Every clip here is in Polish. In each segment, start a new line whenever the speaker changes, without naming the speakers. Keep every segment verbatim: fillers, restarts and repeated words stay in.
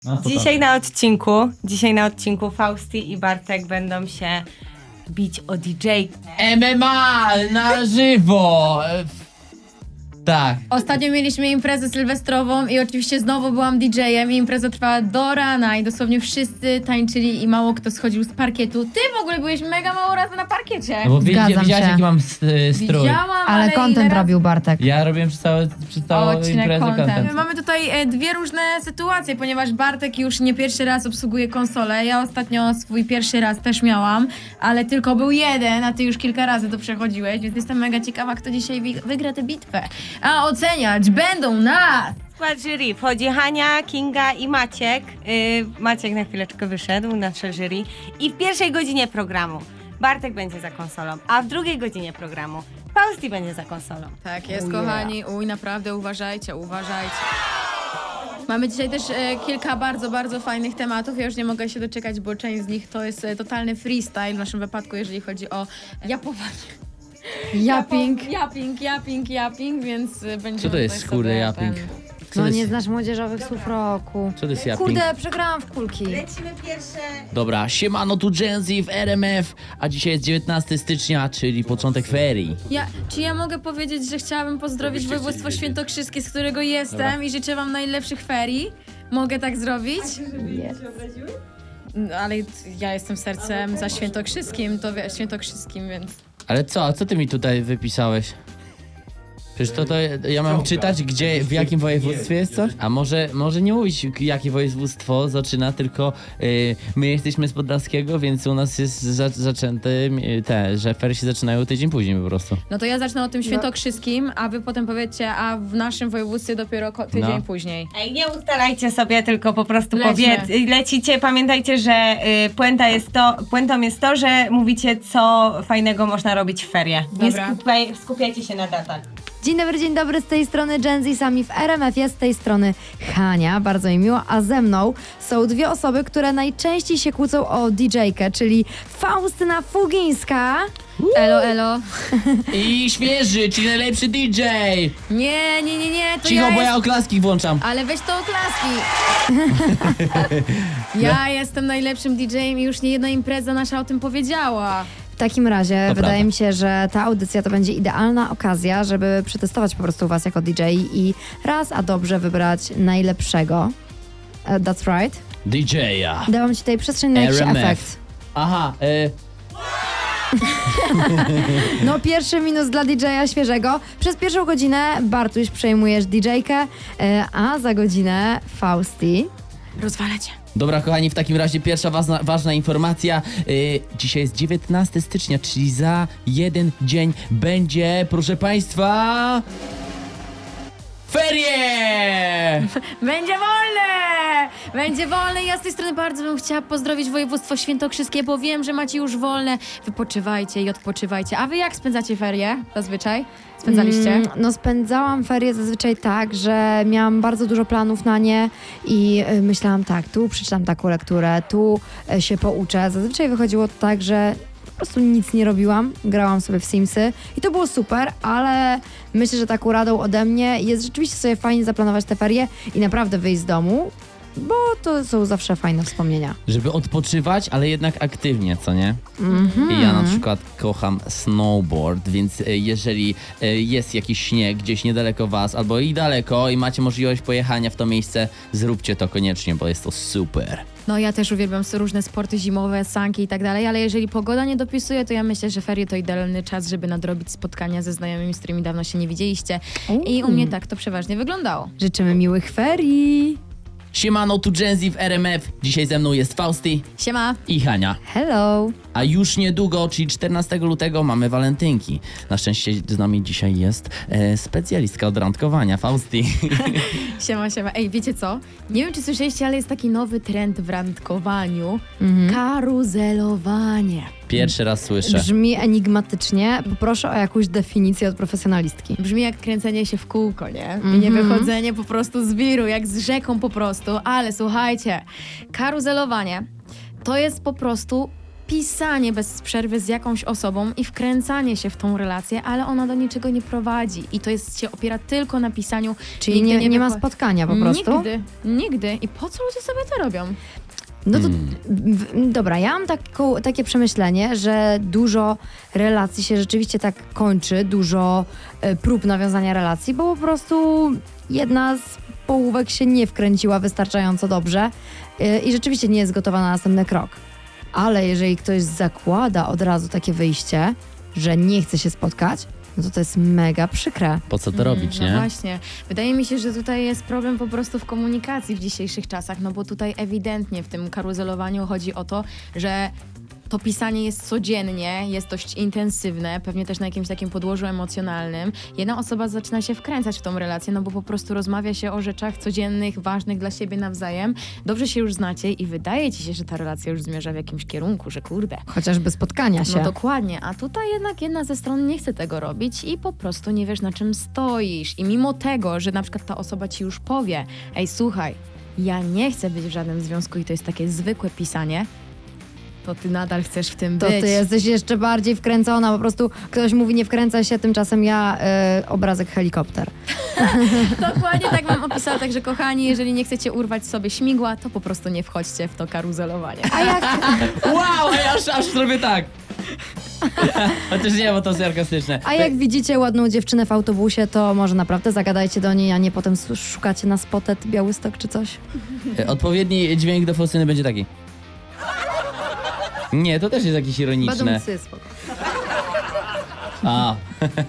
No to
Dzisiaj na odcinku, dzisiaj na odcinku Fausti i Bartek będą się bić o D J.
M M A na żywo! E, Tak.
Ostatnio mieliśmy imprezę sylwestrową i oczywiście znowu byłam D J-em i impreza trwała do rana i dosłownie wszyscy tańczyli i mało kto schodził z parkietu. Ty w ogóle byłeś mega mało razy na parkiecie.
No bo
Zgadzam
wiedzia, widziałaś
się.
jaki mam st- strój.
Widziałam, ale,
Ale content
ile razy-
robił Bartek.
Ja robiłem przez, całe, przez całą
Odcinek
imprezę
content.
content.
Mamy tutaj e, dwie różne sytuacje, ponieważ Bartek już nie pierwszy raz obsługuje konsolę. Ja ostatnio swój pierwszy raz też miałam, ale tylko był jeden, a ty już kilka razy to przechodziłeś, więc jestem mega ciekawa, kto dzisiaj wi- wygra tę bitwę. A oceniać będą nas!
W skład jury wchodzi Hania, Kinga i Maciek. Yy, Maciek na chwileczkę wyszedł, nasze jury. I w pierwszej godzinie programu Bartek będzie za konsolą, a w drugiej godzinie programu Fausti będzie za konsolą.
Tak jest, kochani. Uj, naprawdę uważajcie, uważajcie. Mamy dzisiaj też e, kilka bardzo, bardzo fajnych tematów. Ja już nie mogę się doczekać, bo część z nich to jest e, totalny freestyle w naszym wypadku, jeżeli chodzi o japowanie.
Japing.
Japing, japing, japing, więc e, będzie.
Co to jest, kurde, japing? Co
No
to
nie
jest?
znasz młodzieżowych słów roku.
Co to jest japing?
Kurde, przegrałam w kulki.
Lecimy pierwsze.
Dobra, siemano tu Gen Z w R M F, a dzisiaj jest dziewiętnastego stycznia, czyli początek ferii.
Ja, czy ja mogę powiedzieć, że chciałabym pozdrowić województwo świętokrzyskie, z którego jestem
Dobra.
i życzę wam najlepszych ferii? Mogę tak zrobić? No, ale ja jestem sercem za świętokrzyskim, to wiesz, świętokrzyskim, więc...
Ale co, a co ty mi tutaj wypisałeś? Przecież to, to ja mam czytać, gdzie, w jakim województwie jest coś? A może, może nie mówić, jakie województwo zaczyna, tylko y, my jesteśmy z Podlaskiego, więc u nas jest za, zaczęte y, te, że ferie się zaczynają tydzień później po prostu.
No to ja zacznę o tym świętokrzyskim, a wy potem powiecie, a w naszym województwie dopiero ko- tydzień
No.
później.
Ej, nie ustalajcie sobie, tylko po prostu
Lećmy.
powiedz, lecicie. Pamiętajcie, że y, puenta jest to, puentą jest to, że mówicie, co fajnego można robić w ferie. Nie
Dobra.
skupiaj, skupiajcie się na datach.
Dzień dobry, dzień dobry, z tej strony Gen Z sami w R M F, jest z tej strony Hania, bardzo mi miło, a ze mną są dwie osoby, które najczęściej się kłócą o D J-kę, czyli Faustyna Fugińska.
Elo, elo.
I świeży, czyli najlepszy D J!
Nie, nie, nie, nie, to
Cicho,
ja
bo ja
jest...
oklaski włączam.
Ale weź to oklaski. Ja jestem najlepszym D J-em i już nie jedna impreza nasza o tym powiedziała.
W takim razie
To
wydaje
prawda.
mi się, że ta audycja to będzie idealna okazja, żeby przetestować po prostu was jako D J i raz a dobrze wybrać najlepszego. Uh, that's right.
D J-a.
Dałam ci tutaj przestrzeń na jakiś
R M F.
efekt.
Aha, y,
No pierwszy minus dla D J-a świeżego. Przez pierwszą godzinę Bartuś przejmujesz D J-kę, e, a za godzinę Fausti.
Rozwalę cię.
Dobra, kochani, w takim razie pierwsza ważna, ważna informacja. Yy, dzisiaj jest dziewiętnastego stycznia, czyli za jeden dzień będzie, proszę Państwa... Ferie!
Będzie wolne! Będzie wolne. Ja z tej strony bardzo bym chciała pozdrowić województwo świętokrzyskie, bo wiem, że macie już wolne. Wypoczywajcie i odpoczywajcie. A wy jak spędzacie ferie zazwyczaj? Spędzaliście?
Mm, no spędzałam ferie zazwyczaj tak, że miałam bardzo dużo planów na nie i y, myślałam tak, tu przeczytam taką lekturę, tu y, się pouczę. Zazwyczaj wychodziło to tak, że po prostu nic nie robiłam, grałam sobie w Simsy i to było super, ale myślę, że taką radą ode mnie jest rzeczywiście sobie fajnie zaplanować te ferie i naprawdę wyjść z domu, bo to są zawsze fajne wspomnienia.
Żeby odpoczywać, ale jednak aktywnie, co nie?
Mhm.
I ja na przykład kocham snowboard, więc e, jeżeli e, jest jakiś śnieg gdzieś niedaleko was, albo i daleko i macie możliwość pojechania w to miejsce, zróbcie to koniecznie, bo jest to super.
No ja też uwielbiam różne sporty zimowe, sanki i tak dalej, ale jeżeli pogoda nie dopisuje, to ja myślę, że ferie to idealny czas, żeby nadrobić spotkania ze znajomymi, z którymi dawno się nie widzieliście. I u mnie tak to przeważnie wyglądało.
Życzymy miłych ferii!
Siemano, tu Gen Z w R M F. Dzisiaj ze mną jest Fausti
Siema!
i Hania.
Hello!
A już niedługo, czyli czternastego lutego, mamy walentynki. Na szczęście z nami dzisiaj jest e, specjalistka od randkowania, Fausti.
Siema, siema. Ej, wiecie co? Nie wiem, czy słyszeliście, ale jest taki nowy trend w randkowaniu. Karuzelowanie.
Pierwszy raz słyszę.
Brzmi enigmatycznie. Poproszę o jakąś definicję od profesjonalistki.
Brzmi jak kręcenie się w kółko, nie? I nie wychodzenie po prostu z wiru, jak z rzeką po prostu. Ale słuchajcie, karuzelowanie to jest po prostu pisanie bez przerwy z jakąś osobą i wkręcanie się w tą relację, ale ona do niczego nie prowadzi i to jest się opiera tylko na pisaniu.
Czyli
Nigdy
nie, nie ma
wypo-
spotkania po prostu?
Nigdy, nigdy. I po co ludzie sobie to robią?
No to
Hmm.
w, dobra, ja mam taką, takie przemyślenie, że dużo relacji się rzeczywiście tak kończy, dużo e, prób nawiązania relacji, bo po prostu jedna z połówek się nie wkręciła wystarczająco dobrze e, i rzeczywiście nie jest gotowa na następny krok. Ale jeżeli ktoś zakłada od razu takie wyjście, że nie chce się spotkać, no to to jest mega przykre.
Po co to robić,
No
nie?
właśnie. Wydaje mi się, że tutaj jest problem po prostu w komunikacji w dzisiejszych czasach, no bo tutaj ewidentnie w tym karuzelowaniu chodzi o to, że to pisanie jest codziennie, jest dość intensywne, pewnie też na jakimś takim podłożu emocjonalnym. Jedna osoba zaczyna się wkręcać w tą relację, no bo po prostu rozmawia się o rzeczach codziennych, ważnych dla siebie nawzajem. Dobrze się już znacie i wydaje ci się, że ta relacja już zmierza w jakimś kierunku, że kurde.
Chociażby spotkania się.
No dokładnie, a tutaj jednak jedna ze stron nie chce tego robić i po prostu nie wiesz, na czym stoisz. I mimo tego, że na przykład ta osoba ci już powie, ej słuchaj, ja nie chcę być w żadnym związku i to jest takie zwykłe pisanie, to ty nadal chcesz w tym
To
być.
ty jesteś jeszcze bardziej wkręcona, po prostu ktoś mówi nie wkręca się, tymczasem ja y, obrazek helikopter.
Dokładnie tak mam opisała, także kochani, jeżeli nie chcecie urwać sobie śmigła, to po prostu nie wchodźcie w to karuzelowanie.
A jak,
Wow, ej, aż, aż zrobię tak. Chociaż nie, bo to sarkastyczne.
a jak widzicie ładną dziewczynę w autobusie, to może naprawdę zagadajcie do niej, a nie potem s- szukacie na Spotet Białystok czy coś?
Odpowiedni dźwięk do Faustyny będzie taki. Nie, to też jest jakieś ironiczne.
Badumcy, spoko.
A.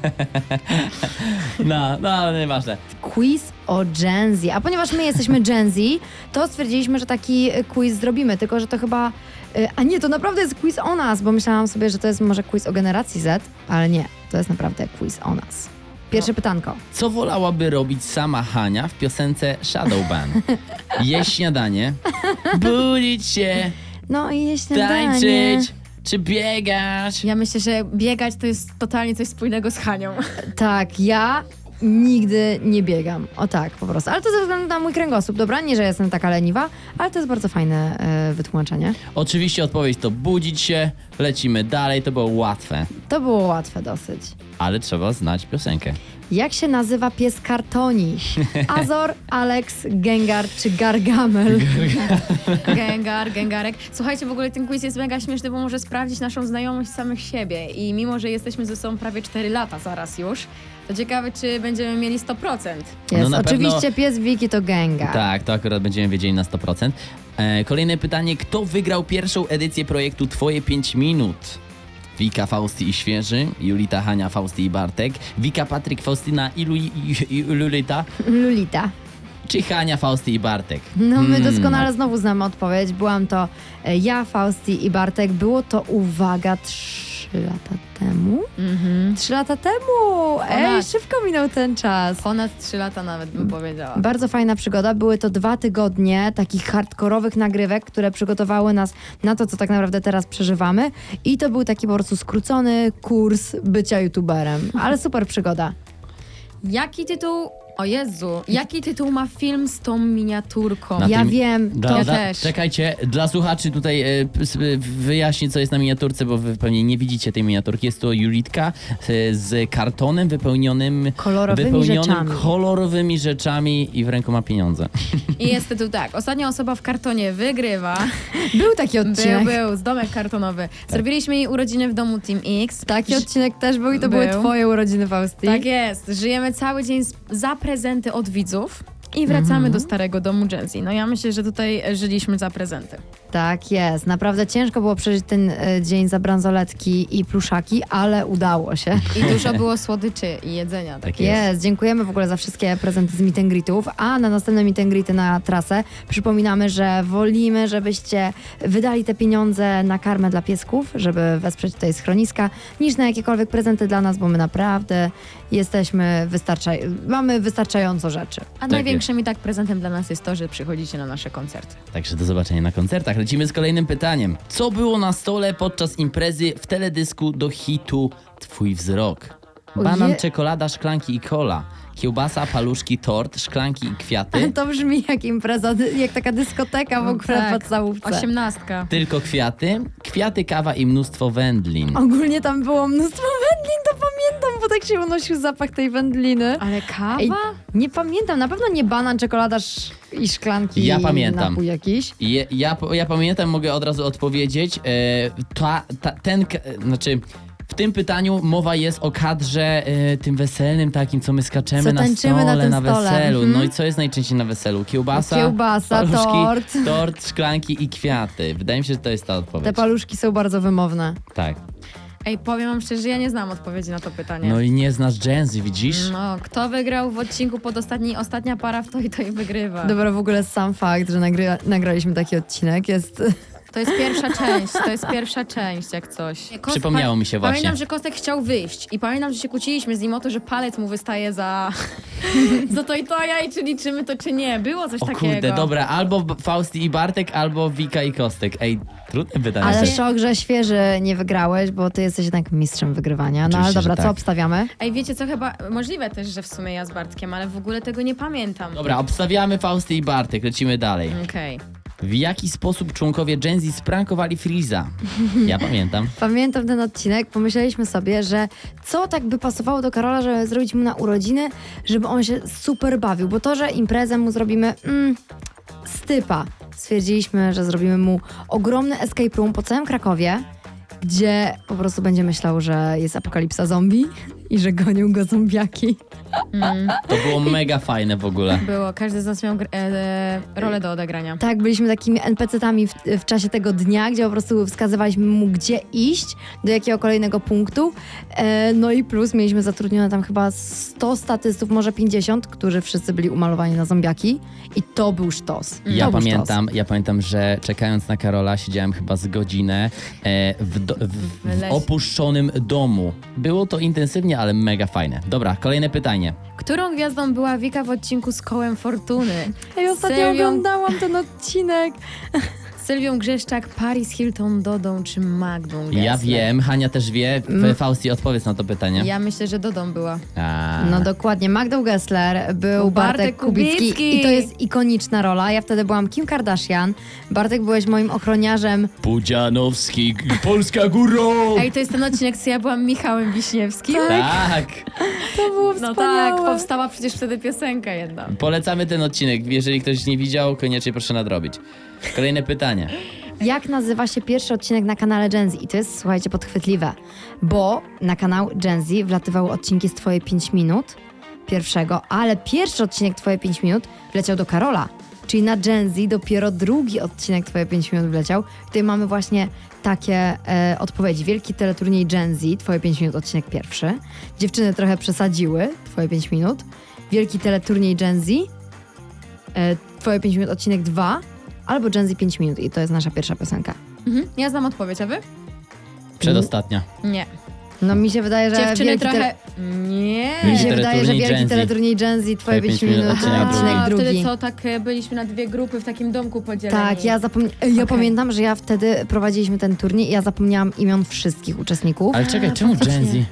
No, no, ale nieważne.
Quiz o Gen Z. A ponieważ my jesteśmy Gen Z, to stwierdziliśmy, że taki y, quiz zrobimy, tylko że to chyba... y, A nie, to naprawdę jest quiz o nas, bo myślałam sobie, że to jest może quiz o generacji Z, ale nie, to jest naprawdę quiz o nas. Pierwsze pytanko.
Co wolałaby robić sama Hania w piosence Shadowban? Jeść śniadanie, budzić się,
No i jeśli nie.
tańczyć, czy biegać?
Ja myślę, że biegać to jest totalnie coś wspólnego z Hanią.
Tak, ja nigdy nie biegam. O tak, po prostu. Ale to ze względu na mój kręgosłup, dobra? Nie, że jestem taka leniwa, ale to jest bardzo fajne e, wytłumaczenie.
Oczywiście odpowiedź to budzić się, lecimy dalej, to było łatwe,
To było łatwe dosyć.
ale trzeba znać piosenkę.
Jak się nazywa pies kartoni? Azor, Alex, Gengar czy Gargamel?
Gengar, Gengarek. Słuchajcie, w ogóle ten quiz jest mega śmieszny, bo może sprawdzić naszą znajomość samych siebie. I mimo, że jesteśmy ze sobą prawie cztery lata zaraz już, to ciekawe, czy będziemy mieli sto procent.
Jest,
No na
oczywiście
pewno-
pies Wiki to Gengar.
Tak, to akurat będziemy wiedzieli na sto procent. E, kolejne pytanie, kto wygrał pierwszą edycję projektu Twoje pięć minut? Wika, Fausty i Świeży, Julita, Hania, Fausty i Bartek, Wika, Patryk, Faustyna i, Lu- i, i Lulita,
Lulita.
czy Hania, Fausty i Bartek?
No my
Hmm.
doskonale znowu znamy odpowiedź. Byłam to e, ja, Fausti i Bartek. Było to, uwaga, trzy lata temu?
Mhm.
Trzy lata temu! Ej,
Ponad.
szybko minął ten czas.
Ponad trzy lata nawet bym powiedziała.
Bardzo fajna przygoda. Były to dwa tygodnie takich hardkorowych nagrywek, które przygotowały nas na to, co tak naprawdę teraz przeżywamy. I to był taki po prostu skrócony kurs bycia youtuberem. Ale super przygoda.
Jaki tytuł... O Jezu, jaki tytuł ma film z tą miniaturką?
Na
Ja
tym-
wiem,
Dla,
to
Ja
dla,
też.
Czekajcie, dla słuchaczy tutaj e, p- s- e, wyjaśnię, co jest na miniaturce, bo wy pewnie nie widzicie tej miniaturki. Jest to Julitka e, z kartonem wypełnionym
kolorowymi
wypełnionym
rzeczami.
kolorowymi rzeczami i w ręku ma pieniądze.
I jest tytuł tak. Ostatnia osoba w kartonie wygrywa.
Był taki
Był,
odcinek.
był, z domek kartonowy. Zrobiliśmy jej urodziny w domu Team X.
Taki odcinek też był i to
Był.
były twoje urodziny, Fausti.
Tak jest. Żyjemy cały dzień z- za prezenty od widzów i wracamy do starego domu Gen Z. No ja myślę, że tutaj żyliśmy za prezenty.
Tak jest. Naprawdę ciężko było przeżyć ten e, dzień za bransoletki i pluszaki, ale udało się.
I dużo było słodyczy i jedzenia.
Tak jest.
Jest. Dziękujemy w ogóle za wszystkie prezenty z meet and greetów, a na następne meet and greety na trasę przypominamy, że wolimy, żebyście wydali te pieniądze na karmę dla piesków, żeby wesprzeć tutaj schroniska, niż na jakiekolwiek prezenty dla nas, bo my naprawdę jesteśmy wystarczaj... mamy wystarczająco rzeczy.
A największym i tak prezentem dla nas jest to, że przychodzicie na nasze koncerty.
Także do zobaczenia na koncertach. Lecimy z kolejnym pytaniem. Co było na stole podczas imprezy w teledysku do hitu Twój wzrok? Banan,
Oje-
czekolada, szklanki i cola. Kiełbasa, paluszki, tort, szklanki i kwiaty.
To brzmi jak impreza, jak taka dyskoteka w ogóle
Tak.
w podstawówce.
Osiemnastka.
Tylko kwiaty, kwiaty, kawa i mnóstwo wędlin.
Ogólnie tam było mnóstwo wędlin, to pamiętam, bo tak się unosił zapach tej wędliny.
Ale kawa?
Ej, nie pamiętam, na pewno nie banan, czekolada sz- i szklanki.
Ja
i
pamiętam.
napój jakiś.
Je, ja, ja pamiętam, mogę od razu odpowiedzieć. E, ta, ta, ten, ka- znaczy, w tym pytaniu mowa jest o kadrze e, tym weselnym takim, co my skaczemy
Co
na
tańczymy
stole,
na tym stole.
weselu.
Mhm.
No i co jest najczęściej na weselu? Kiełbasa,
Kiełbasa,
paluszki,
tort.
tort, szklanki i kwiaty. Wydaje mi się, że to jest ta odpowiedź.
Te paluszki są bardzo wymowne.
Tak.
Ej, powiem wam szczerze, ja nie znam odpowiedzi na to pytanie.
No i nie znasz Gen Z, widzisz?
No, kto wygrał w odcinku pod ostatni, ostatnia para w to i to i wygrywa.
Dobra, w ogóle sam fakt, że nagry- nagraliśmy taki odcinek jest...
To jest pierwsza część, to jest pierwsza część, jak coś. Kost-
Przypomniało mi się właśnie.
Pamiętam, że Kostek chciał wyjść i pamiętam, że się kłóciliśmy z nim o to, że palec mu wystaje za, za to i to, ja i czy liczymy to, czy nie. Było coś
O
takiego.
kurde, dobra, albo B- Fausti i Bartek, albo Wika i Kostek. Ej, trudne pytanie.
Ale
się-
szok, że świeży nie wygrałeś, bo ty jesteś jednak mistrzem wygrywania. No ale
Oczywiście,
dobra,
że
co
tak.
obstawiamy?
Ej, wiecie co, chyba możliwe też, że w sumie ja z Bartkiem, ale w ogóle tego nie pamiętam.
Dobra, obstawiamy Fausty i Bartek, lecimy dalej.
Okej.
W jaki sposób członkowie Gen Z sprankowali Freeza? Ja pamiętam.
Pamiętam ten odcinek, pomyśleliśmy sobie, że co tak by pasowało do Karola, żeby zrobić mu na urodziny, żeby on się super bawił, bo to, że imprezę mu zrobimy mm, stypa. Stwierdziliśmy, że zrobimy mu ogromny escape room po całym Krakowie, gdzie po prostu będzie myślał, że jest apokalipsa zombie i że gonią go zombiaki.
Mm,
To było mega fajne w ogóle.
było, każdy z nas miał gr- e, e, rolę do odegrania.
Tak, byliśmy takimi en pe ce tami w, w czasie tego dnia, gdzie po prostu wskazywaliśmy mu, gdzie iść, do jakiego kolejnego punktu. E, no i plus mieliśmy zatrudnione tam chyba sto statystów, może pięćdziesiąt, którzy wszyscy byli umalowani na zombiaki. I to był sztos.
Ja
to był
pamiętam, ja pamiętam, że czekając na Karola siedziałem chyba z godzinę e, w, do, w, w
lesie.
opuszczonym domu. Było to intensywnie, ale mega fajne. Dobra, kolejne pytanie.
Którą gwiazdą była Wika w odcinku z Kołem Fortuny?
sztos. Ej, ostatnio
Sylwią-
oglądałam ten odcinek.
Sylwią Grzeszczak, Paris Hilton, Dodą czy Magdą Gessler?
Ja wiem, Hania też wie.
Mm.
Fausti, odpowiedz na to pytanie.
Ja myślę, że Dodą była.
A,
No dokładnie, Magdą Gessler, był
Bartek
Bartek Kubicki,
Kubicki.
i to jest ikoniczna rola. Ja wtedy byłam Kim Kardashian, Bartek byłeś moim ochroniarzem.
Pudzianowski, Polska górą!
Ej, to jest ten odcinek, co ja byłam Michałem Wiśniewskim?
Tak!
To było
No
wspaniałe.
tak, powstała przecież wtedy piosenka jedna.
Polecamy ten odcinek. Jeżeli ktoś nie widział, koniecznie proszę nadrobić. Kolejne pytanie.
Jak nazywa się pierwszy odcinek na kanale Gen Z? I to jest, słuchajcie, podchwytliwe, bo na kanał Gen Z wlatywały odcinki z Twoje pięć minut, pierwszego, ale pierwszy odcinek Twoje pięć minut wleciał do Karola. Czyli na Gen Z dopiero drugi odcinek Twoje pięć minut wleciał. Tutaj mamy właśnie takie e, odpowiedzi. Wielki teleturniej Gen Z, Twoje pięć minut, odcinek pierwszy. Dziewczyny trochę przesadziły, Twoje pięć minut. Wielki teleturniej Gen Z, e, Twoje pięć minut, odcinek dwa. Albo Gen Z pięć minut i to jest nasza pierwsza piosenka.
Mhm. Ja znam odpowiedź, a wy?
Przedostatnia.
Nie.
No mi się wydaje, że
Dziewczyny
wielki
trochę... Nie.
Tele... Mi się
Wielki
wydaje, że
teleturniej
wielki
Gen Z.
teleturniej Gen Z, twoje pięć minut,
odcinek
odcinek,
drugi.
A,
drugi.
wtedy co, tak e, byliśmy na dwie grupy w takim domku podzieleni.
Tak, ja, zapomni- ja
Okej.
pamiętam, że ja wtedy prowadziliśmy ten turniej i ja zapomniałam imion wszystkich uczestników.
Ale czekaj,
A,
czemu Gen Z?
faktycznie.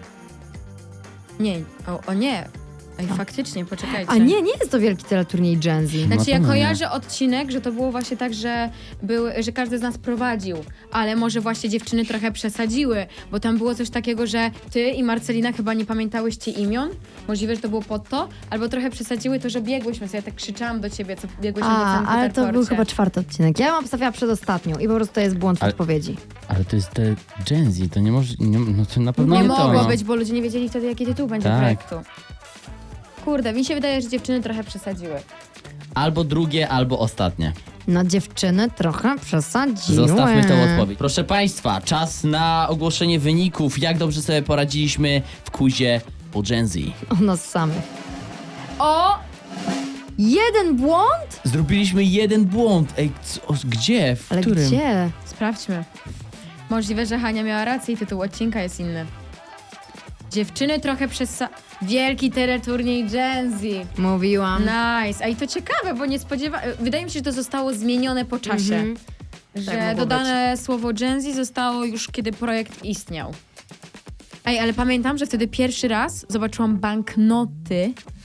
Nie, o, o nie. Ej, faktycznie, poczekajcie.
A nie, nie jest to wielki teleturniej Gen Z.
No
Znaczy
to
ja
nie.
kojarzę odcinek, że to było właśnie tak, że, był, że każdy z nas prowadził, ale może właśnie dziewczyny trochę przesadziły, bo tam było coś takiego, że ty i Marcelina chyba nie pamiętałyście imion, możliwe, że to było pod to, albo trochę przesadziły to, że biegłyśmy, co ja tak krzyczałam do ciebie, co biegłyśmy po
A,
całym
ale to był
Peterporcie.
chyba czwarty odcinek. Ja ją obstawiała przedostatnią i po prostu to jest błąd w
Ale-
odpowiedzi.
Ale to jest te Gen Z, to nie może... Nie, no to na pewno
Nie,
nie,
mogło
to. No.
być, bo ludzie nie wiedzieli wtedy, jaki tytuł będzie
Tak.
projektu. Kurde, mi się wydaje, że dziewczyny trochę przesadziły.
Albo drugie, albo ostatnie.
No dziewczyny trochę przesadziły.
Zostawmy tę odpowiedź. Proszę Państwa, czas na ogłoszenie wyników. Jak dobrze sobie poradziliśmy w quizie o Gen Z.
O nas samych.
O!
Jeden błąd?
Zrobiliśmy jeden błąd. Ej, co, gdzie? W
Ale
którym?
gdzie?
Sprawdźmy. Możliwe, że Hania miała rację i tytuł odcinka jest inny. Dziewczyny trochę przesa... Wielki teleturniej Gen Z.
Mówiłam.
Nice. A i to ciekawe, bo nie spodziewa... Wydaje mi się, że to zostało zmienione po czasie.
Mhm.
Że
Tak mogło
dodane słowo Gen Z zostało już, kiedy projekt istniał. Ej, ale pamiętam, że wtedy pierwszy raz zobaczyłam banknoty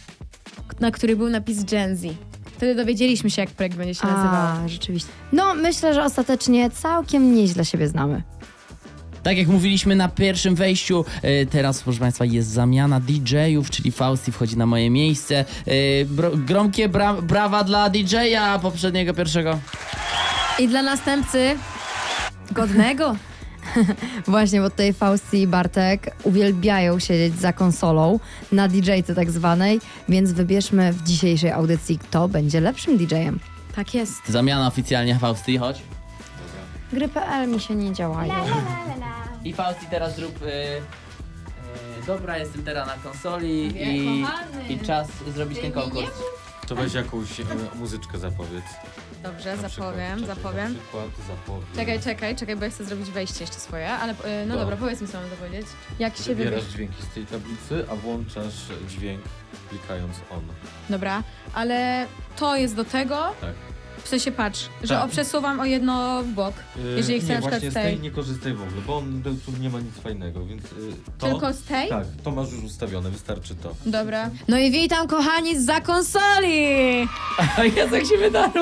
na który był napis Gen Z. Wtedy dowiedzieliśmy się, jak projekt będzie się nazywał.
A, rzeczywiście. No, myślę, że ostatecznie całkiem nieźle siebie znamy.
Tak jak mówiliśmy na pierwszym wejściu, e, teraz proszę Państwa jest zamiana D J-ów, czyli Fausti wchodzi na moje miejsce. E, bro, gromkie bra brawa dla D J-a poprzedniego, pierwszego.
I dla następcy godnego.
Właśnie, bo tutaj Fausti i Bartek uwielbiają siedzieć za konsolą, na D J-ce tak zwanej, więc wybierzmy w dzisiejszej audycji, kto będzie lepszym D J-em.
Tak jest.
Zamiana oficjalnie, Fausti, chodź.
Gry kropka pe el mi się nie działają.
I Fausti teraz zrób... E, e, dobra, jestem teraz na konsoli
Nie,
i,
kochany.
i czas zrobić ten konkurs.
To weź jakąś e, muzyczkę zapowiedz.
Dobrze,
Na
zapowiem,
przykład,
zapowiem.
Na przykład zapowiedz.
Czekaj, czekaj, czekaj, bo ja chcę zrobić wejście jeszcze swoje, ale e, no
No.
dobra, powiedz mi, co mam to powiedzieć. Jak się
Wybierasz
wybierz...
dźwięki z tej tablicy, a włączasz dźwięk klikając on.
Dobra, ale to jest do tego,
Tak.
w sensie patrz, że
Tak.
o, przesuwam o jedno w bok,
Yy,
jeżeli chcę
nie,
na przykład
właśnie
z
z tej
tej.
nie korzystaj w ogóle, bo on tu nie ma nic fajnego, więc yy, to...
Tylko z tej?
Tak, to masz już ustawione, wystarczy to.
Dobra. No i witam kochani zza konsoli!
O Jezu, jak się wydarło.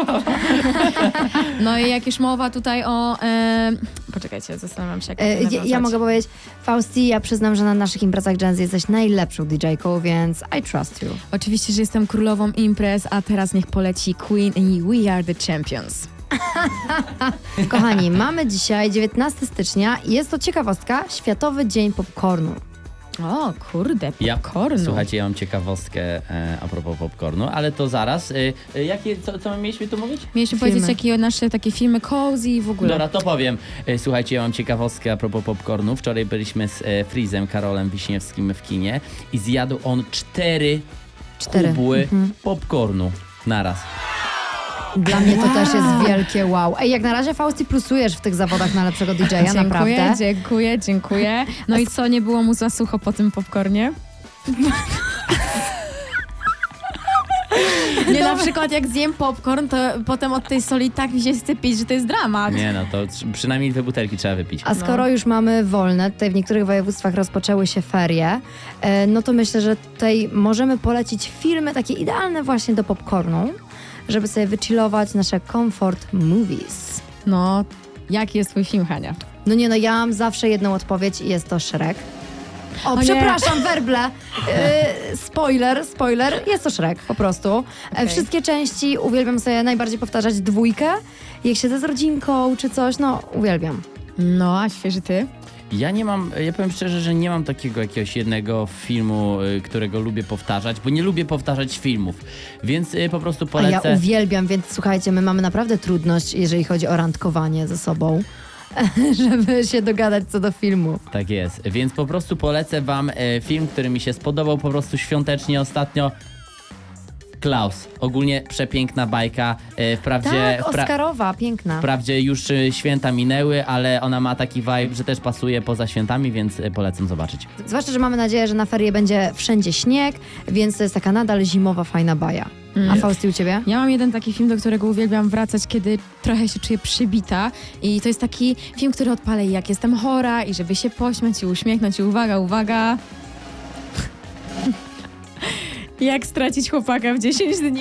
No i jak już mowa tutaj o... E... Poczekajcie, zastanawiam się, jak
E,
to
ja, ja
nawiązać.
mogę powiedzieć, Fausti, ja przyznam, że na naszych imprezach Gen Z jesteś najlepszą D J-ką, więc I trust you.
Oczywiście, że jestem królową imprez, a teraz niech poleci Queen i We Are The Champions.
Kochani, mamy dzisiaj dziewiętnastego stycznia i jest to ciekawostka, Światowy Dzień Popcornu.
O, kurde,
Ja,
popcornu.
słuchajcie, ja mam ciekawostkę e, a propos popcornu, ale to zaraz. E, e, jakie, co, co my mieliśmy tu mówić?
Mieliśmy
Filmy.
powiedzieć, jakie nasze takie filmy cozy i w ogóle.
Dobra, to powiem. E, Słuchajcie, ja mam ciekawostkę a propos popcornu. Wczoraj byliśmy z e, Freezem, Karolem Wiśniewskim w kinie i zjadł on cztery
Cztery.
kubły
Mhm.
popcornu naraz.
Dla mnie to też jest wielkie wow. Ej, jak na razie Fausti plusujesz w tych zawodach na lepszego D J-a,
Dziękuję,
naprawdę.
dziękuję, dziękuję. No i co, nie było mu za sucho po tym popcornie? Nie, na przykład jak zjem popcorn, to potem od tej soli tak mi się chce pić, że to jest dramat.
Nie no, to tr- przynajmniej dwie butelki trzeba wypić.
A skoro już mamy wolne, tutaj w niektórych województwach rozpoczęły się ferie, e, no to myślę, że tutaj możemy polecić filmy takie idealne właśnie do popcornu, żeby sobie wychillować nasze comfort movies.
No, jaki jest twój film, Hania?
No nie no, ja mam zawsze jedną odpowiedź i jest to Shrek. O,
O nie.
przepraszam, werble. E, spoiler, spoiler, jest to Shrek po prostu. E,
Okej.
Wszystkie części uwielbiam sobie najbardziej powtarzać dwójkę. Jak siedzę z rodzinką czy coś, no uwielbiam.
No, a świeży ty?
Ja nie mam, ja powiem szczerze, że nie mam takiego jakiegoś jednego filmu, y, którego lubię powtarzać, bo nie lubię powtarzać filmów, więc y, po prostu
A
polecę.
ja uwielbiam, więc słuchajcie, my mamy naprawdę trudność, jeżeli chodzi o randkowanie ze sobą, żeby się dogadać co do filmu.
Tak jest, więc po prostu polecę wam e, film, który mi się spodobał po prostu świątecznie ostatnio. Klaus. Ogólnie przepiękna bajka. E, wprawdzie,
Tak,
wpra-
Oscarowa, piękna.
wprawdzie już e, święta minęły, ale ona ma taki vibe, że też pasuje poza świętami, więc e, polecam zobaczyć.
Zwłaszcza, że mamy nadzieję, że na ferie będzie wszędzie śnieg, więc to jest taka nadal zimowa, fajna baja. A Fausti, u ciebie?
Ja mam jeden taki film, do którego uwielbiam wracać, kiedy trochę się czuję przybita. I to jest taki film, który odpalę jak jestem chora i żeby się pośmiać i uśmiechnąć. I uwaga, uwaga. Jak stracić chłopaka w dziesięć dni.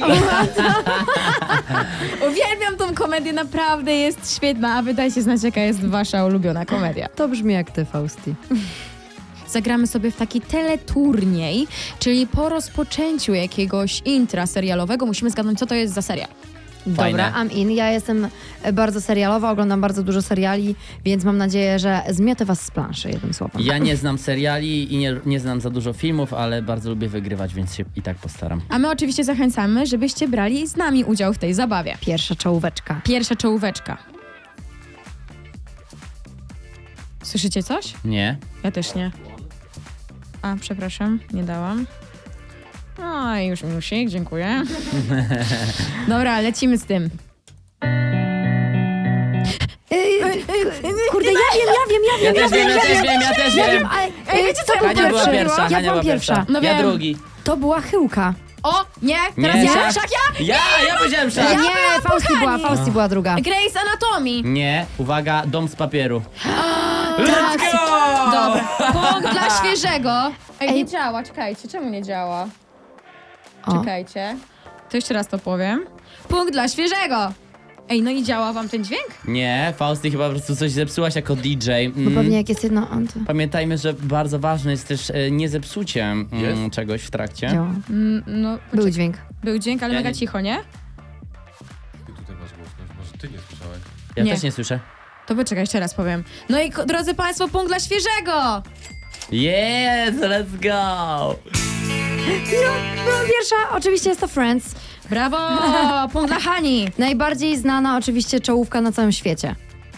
Uwielbiam tą komedię, naprawdę jest świetna. A wy dajcie znać, jaka jest wasza ulubiona komedia.
To brzmi jak ty, Fausti.
Zagramy sobie w taki teleturniej, czyli po rozpoczęciu jakiegoś intra serialowego musimy zgadnąć, co to jest za serial.
Fajne.
Dobra, I'm in. Ja jestem bardzo serialowa, oglądam bardzo dużo seriali, więc mam nadzieję, że zmiotę was z planszy, jednym słowem.
Ja nie znam seriali i nie, nie znam za dużo filmów, ale bardzo lubię wygrywać, więc się i tak postaram.
A my oczywiście zachęcamy, żebyście brali z nami udział w tej zabawie.
Pierwsza czołóweczka.
Pierwsza czołóweczka. Słyszycie coś?
Nie?
Ja też nie. A, przepraszam, nie dałam. No i już minusik, dziękuję. Dobra, lecimy z tym.
Kurde, ja wiem, ja wiem, ja
Ja
wiem,
też wiem, ja też wiem, ja też wiem.
ale
Ej, wiecie co,
kto był
Hania była
pierwszy?
pierwsza,
Ja
Hania
byłam
była
pierwsza.
pierwsza.
No
Ja
wiem.
drugi.
To była chyłka.
O, nie, teraz
Nie,
ja.
szak.
Szak ja?
Ja, ja powiedziałem szak.
nie, Fausti była, Fausti była druga.
Grey's Anatomy.
Nie, uwaga, dom z papieru.
Tak.
Let's go!
Dobra, punkt dla świeżego. Ej,
Ej.
nie działa, czekajcie, czemu nie działa?
O.
Czekajcie. To jeszcze raz to powiem. Punkt dla świeżego. Ej, no i działa wam ten dźwięk?
Nie, Fausty chyba po prostu coś zepsułaś jako D J.
Bo
Mm.
pewnie jak jest jedno... On to
Pamiętajmy, że bardzo ważne jest też e, nie zepsucie mm,
Jest?
czegoś w trakcie.
działa.
Mm, no,
Był dźwięk.
Był dźwięk, ale
Ja
mega
nie-
cicho, nie?
Ty tutaj masz głośność, może ty nie słyszałeś?
Ja
Nie.
też nie słyszę.
To poczekaj, jeszcze raz powiem. No i ko- drodzy państwo, punkt dla świeżego!
Yes, let's go!
Była pierwsza, oczywiście jest to Friends.
Brawo! Punkt dla Hani!
Najbardziej znana oczywiście czołówka na całym świecie.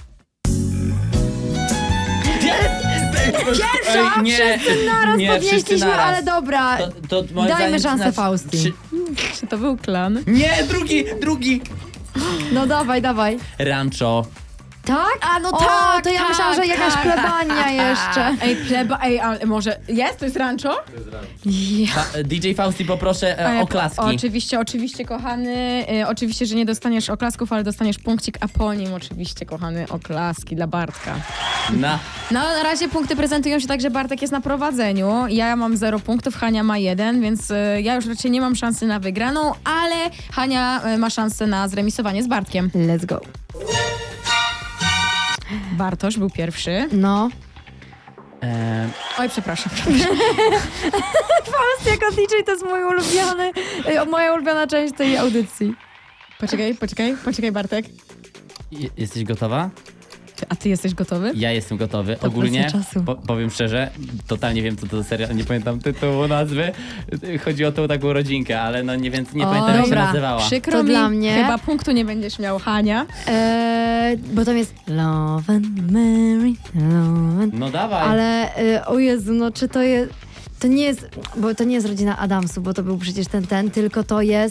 Pierwsza!
Ej, nie,
wszyscy naraz
nie, wszyscy
podnieśliśmy,
naraz.
ale dobra.
To, to moim
Dajmy
zdaniem
szansę
znaczy-
Fausty.
Trzy-
Czy to był klan?
Nie, drugi, drugi!
No dawaj, dawaj.
Rancho.
Tak?
A, no
o,
tak,
to ja
tak,
myślałam, że jakaś
tak.
plebania jeszcze.
Ej, pleba, ej, ale może jest? To jest rancho?
Fa- D J Fausty, poproszę e,
Ej,
oklaski.
Oczywiście, oczywiście, kochany. Y, oczywiście, że nie dostaniesz oklasków, ale dostaniesz punkcik, a po nim oczywiście, kochany, oklaski dla Bartka.
Na.
No, na razie punkty prezentują się tak, że Bartek jest na prowadzeniu. Ja mam zero punktów, Hania ma jeden, więc y, ja już raczej nie mam szansy na wygraną, ale Hania y, ma szansę na zremisowanie z Bartkiem.
Let's go.
Bartosz był pierwszy.
No.
E,
Oj, przepraszam.
Faust jako D J to jest mój ulubiony, y, moja ulubiona część tej audycji.
Poczekaj, poczekaj, poczekaj, Bartek.
je- jesteś gotowa?
Ty, a ty jesteś gotowy?
Ja jestem gotowy.
To
Ogólnie,
kwestia czasu.
po, powiem szczerze, totalnie wiem co to za serial, nie pamiętam tytułu, nazwy. Chodzi o tą taką rodzinkę, ale no nie, więc nie
O,
pamiętam jak się
dobra.
nazywała.
Przykro
To
mi,
dla mnie.
chyba punktu nie będziesz miał, Hania.
Eee, bo tam jest Love and Mary, Love and...
No dawaj.
Ale, y, o Jezu, no czy to jest... To nie jest, bo to nie jest rodzina Adamsów, bo to był przecież ten, ten, tylko to jest...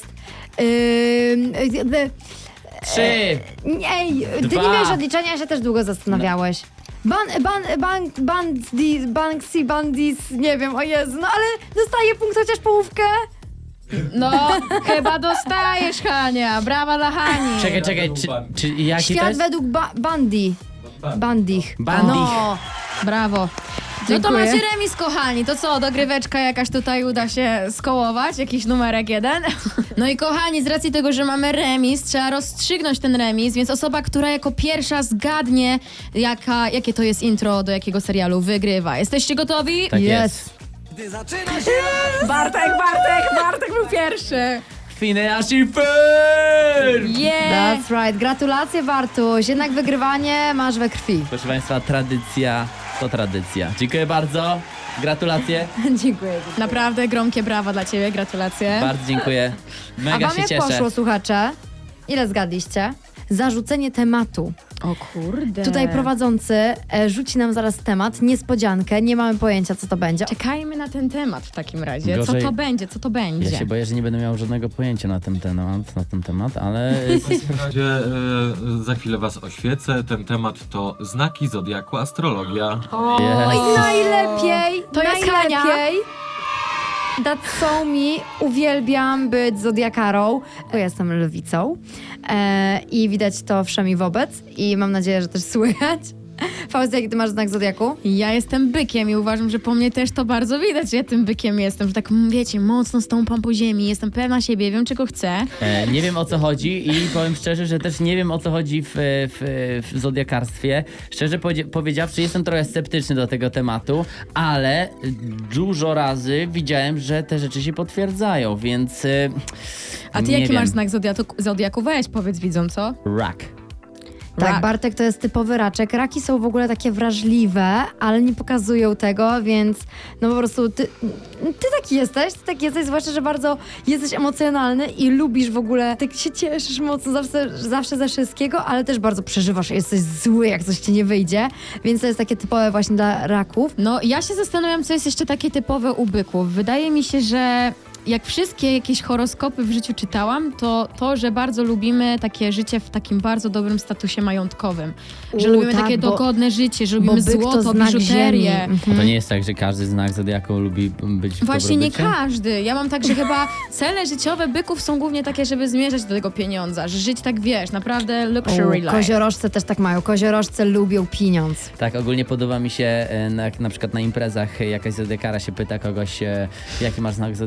Yy, the,
Trzy.
nie, ty
Dwa.
nie miałeś odliczenia, się też długo zastanawiałeś. Ban, ban, ban, bandis, banksy, bandis, nie wiem, o Jezu, no ale dostaję punkt chociaż połówkę.
No, chyba dostajesz, Hania. Brawa dla Hani.
Czekaj, czekaj, czy, czy jaki to
Świat
jest?
według ba Bandi. Bandich.
Bandich.
No.
Brawo. No to
Dziękuję.
macie remis, kochani. To co, dogryweczka jakaś tutaj uda się skołować? Jakiś numerek jeden? No i kochani, z racji tego, że mamy remis, trzeba rozstrzygnąć ten remis, więc osoba, która jako pierwsza zgadnie, jaka, jakie to jest intro do jakiego serialu, wygrywa. Jesteście gotowi?
Tak
Yes.
jest.
Bartek, Bartek, Bartek był pierwszy.
Phineas i Ferb!
Yeah!
That's right. Gratulacje, Bartuś. Jednak wygrywanie masz we krwi.
Proszę Państwa, tradycja to tradycja. Dziękuję bardzo. Gratulacje.
Dziękuję.
Naprawdę gromkie brawa dla ciebie, gratulacje.
Bardzo dziękuję.
A
Mega
wam
się
jak
cieszę.
poszło, słuchacze? Ile zgadliście? Zarzucenie tematu.
O kurde.
Tutaj prowadzący e, rzuci nam zaraz temat, niespodziankę, nie mamy pojęcia, co to będzie.
Czekajmy na ten temat w takim razie.
Gorzej-
Co to będzie, co to będzie?
Ja się boję, że nie będę miał żadnego pojęcia na ten temat, na ten temat, ale
W razie e, za chwilę was oświecę. Ten temat to znaki zodiaku, astrologia.
Yes.
Oj, najlepiej!
To jest Hania.
najlepiej. That's so me. Uwielbiam być zodiakarą. Ja jestem lwicą e, i widać to wszemi wobec i mam nadzieję, że też słychać. Faust, jaki ty masz znak zodiaku?
Ja jestem bykiem i uważam, że po mnie też to bardzo widać, że ja tym bykiem jestem, że tak, mm, wiecie, mocno stąpam po ziemi, jestem pewna siebie, wiem czego chcę.
E, nie wiem o co chodzi i powiem szczerze, że też nie wiem o co chodzi w, w, w zodiakarstwie. Szczerze powie- powiedziawszy, jestem trochę sceptyczny do tego tematu, ale dużo razy widziałem, że te rzeczy się potwierdzają, więc. E,
A ty
nie
jaki
wiem.
masz znak zodiaku, zodiaku? Weź, powiedz widzom, co?
Rak.
Tak,
Rak.
Bartek to jest typowy raczek. Raki są w ogóle takie wrażliwe, ale nie pokazują tego, więc no po prostu ty, ty taki jesteś, ty taki jesteś, zwłaszcza, że bardzo jesteś emocjonalny i lubisz w ogóle, tak się cieszysz mocno zawsze, zawsze ze wszystkiego, ale też bardzo przeżywasz, jesteś zły, jak coś ci nie wyjdzie, więc to jest takie typowe właśnie dla raków.
No, ja się zastanawiam, co jest jeszcze takie typowe u byków. Wydaje mi się, że jak wszystkie jakieś horoskopy w życiu czytałam, to to, że bardzo lubimy takie życie w takim bardzo dobrym statusie majątkowym. Że
U,
lubimy
tak,
takie
bo-
dogodne życie, że
Bo
lubimy
byk to
złoto,
znak ziemi.
biżuterię.
Mhm.
To nie jest tak, że każdy znak zodiaku lubi być w
Właśnie nie
dobrobycie?
każdy. Ja mam tak, że chyba cele życiowe byków są głównie takie, żeby zmierzać do tego pieniądza, że żyć tak, wiesz, naprawdę luxury
U,
life.
koziorożce też tak mają, koziorożce lubią pieniądz.
Tak, ogólnie podoba mi się, e, na, na przykład na imprezach e, jakaś zodiakara się pyta kogoś, e, jaki masz znak zodiaku, albo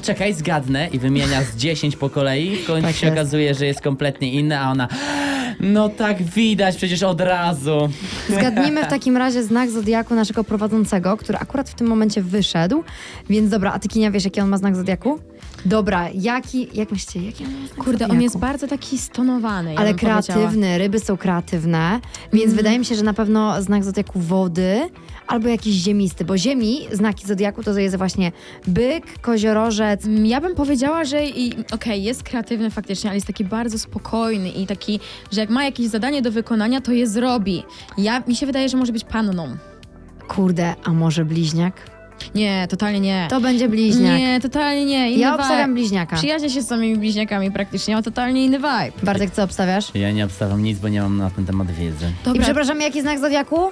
czekaj, zgadnę i wymienia z dziesięć po kolei. W końcu
Tak
się
jest.
okazuje, że jest kompletnie inna, a ona... No tak widać, przecież od razu.
Zgadnijmy w takim razie znak zodiaku naszego prowadzącego, który akurat w tym momencie wyszedł. Więc dobra, a ty, Kinia, wiesz, jaki on ma znak zodiaku? Dobra, jaki, jak myślicie, jaki on ma znak
Kurde, on
zodiaku?
jest bardzo taki stonowany. Ja
Ale
bym powiedziała.
kreatywny, ryby są kreatywne, więc
Mhm.
wydaje mi się, że na pewno znak zodiaku wody albo jakiś ziemisty, bo ziemi, znaki zodiaku to jest właśnie byk, koziorożec.
Mm, Ja bym powiedziała, że i- okej, jest kreatywny faktycznie, ale jest taki bardzo spokojny i taki, że jak ma jakieś zadanie do wykonania, to je zrobi. Ja, mi się wydaje, że może być panną.
Kurde, a może bliźniak?
Nie, totalnie nie.
To będzie bliźniak.
Nie, totalnie nie. Inny
Ja
vibe.
obstawiam bliźniaka.
Przyjaźnię się z samymi bliźniakami praktycznie, ma totalnie inny vibe.
Bartek, co obstawiasz?
Ja nie obstawiam nic, bo nie mam na ten temat wiedzy.
I przepraszam, jaki znak zodiaku?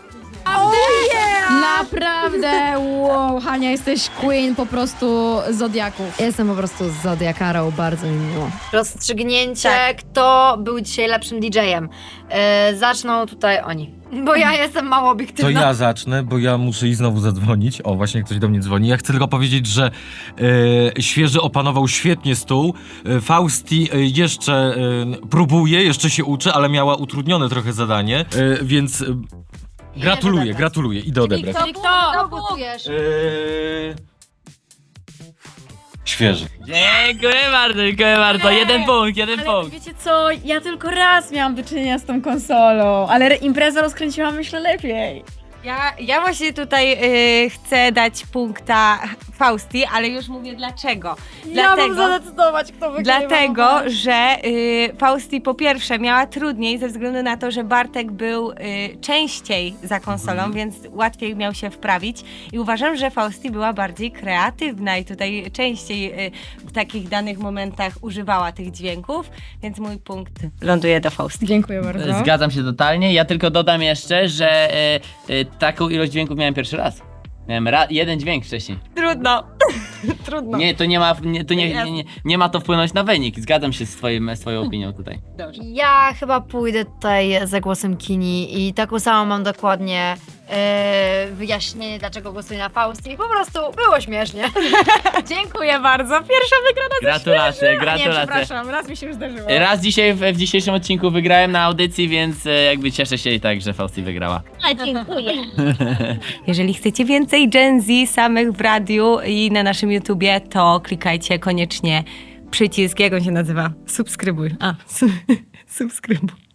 Naprawdę, wow, Hania, jesteś queen po prostu zodiaków.
Ja jestem po prostu z zodiakarą, bardzo mi miło.
Rozstrzygnięcie,
Tak.
kto był dzisiaj lepszym didżejem. E, zaczną tutaj oni, bo ja jestem mało
To
obiektywna.
ja zacznę, bo ja muszę i znowu zadzwonić. O, właśnie ktoś do mnie dzwoni. Ja chcę tylko powiedzieć, że e, świeży opanował świetnie stół. E, Fausti e, jeszcze e, próbuje, jeszcze się uczy, ale miała utrudnione trochę zadanie, e, więc e, gratuluję,
odebrać.
gratuluję. Idę odebrać.
Czyli kto? Kto głosujesz?
E, świeży.
Dziękuję bardzo, dziękuję bardzo. Jeden punkt, jeden
Ale wiecie co, ja tylko raz miałam do czynienia z tą konsolą, ale imprezę rozkręciłam myślę lepiej.
Ja, ja właśnie tutaj y, chcę dać punkta Fausti, ale już mówię dlaczego.
Ja mam zadecydować, kto wygrywa.
Dlatego, że y, Fausti po pierwsze miała trudniej ze względu na to, że Bartek był y, częściej za konsolą, więc łatwiej miał się wprawić i uważam, że Fausti była bardziej kreatywna i tutaj częściej y, w takich danych momentach używała tych dźwięków, więc mój punkt ląduje do Fausti.
Dziękuję bardzo.
Zgadzam się totalnie. Ja tylko dodam jeszcze, że e, e, taką ilość dźwięków miałem pierwszy raz. Miałem ra- jeden dźwięk wcześniej.
Trudno, trudno.
Nie, to nie ma, nie, to nie, nie, nie, nie ma to wpłynąć na wynik. Zgadzam się z twoim, z twoją opinią tutaj.
Ja chyba pójdę tutaj za głosem Kini i taką samą mam dokładnie e, wyjaśnienie, dlaczego głosuję na Fausti. Po prostu było śmiesznie.
Dziękuję bardzo. Pierwsza wygrana ze
Gratulacje,
Nie,
gratulacje.
przepraszam, raz mi się już zdarzyło.
Raz dzisiaj w, w dzisiejszym odcinku wygrałem na audycji, więc e, jakby cieszę się i tak, że Fausti wygrała.
Jeżeli chcecie więcej Gen Z samych w radiu i na naszym YouTubie, to klikajcie koniecznie przycisk, jak on się nazywa? Subskrybuj. A, su- subskrybuj.